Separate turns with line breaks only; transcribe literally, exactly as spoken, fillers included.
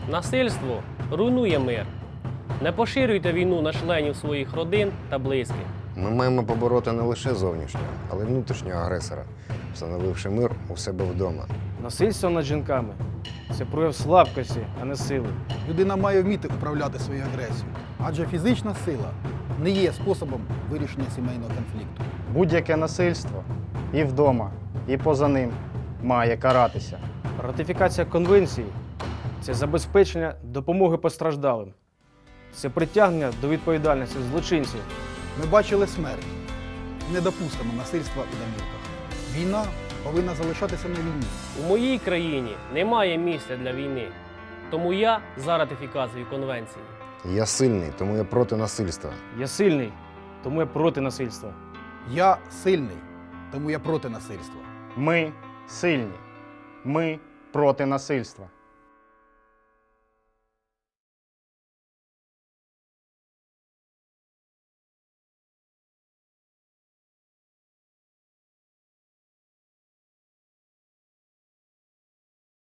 Насильство руйнує мир. Не поширюйте війну на членів своїх родин та близьких.
Ми маємо побороти не лише зовнішнього, але й внутрішнього агресора, встановивши мир у себе вдома.
Насильство над жінками – це прояв слабкості, а не сили.
Людина має вміти управляти своєю агресією, адже фізична сила не є способом вирішення сімейного конфлікту.
Будь-яке насильство і вдома, і поза ним має каратися.
Ратифікація конвенції – це забезпечення допомоги постраждалим. Це притягнення до відповідальності злочинців.
Ми бачили смерть. Не допустимо насильства у домівках. Війна повинна залишатися на війні.
У моїй країні немає місця для війни. Тому я за ратифікацію конвенції.
Я сильний, тому я проти насильства.
Я сильний, тому я проти насильства.
Я сильний, тому я проти насильства.
Ми сильні. Ми проти насильства.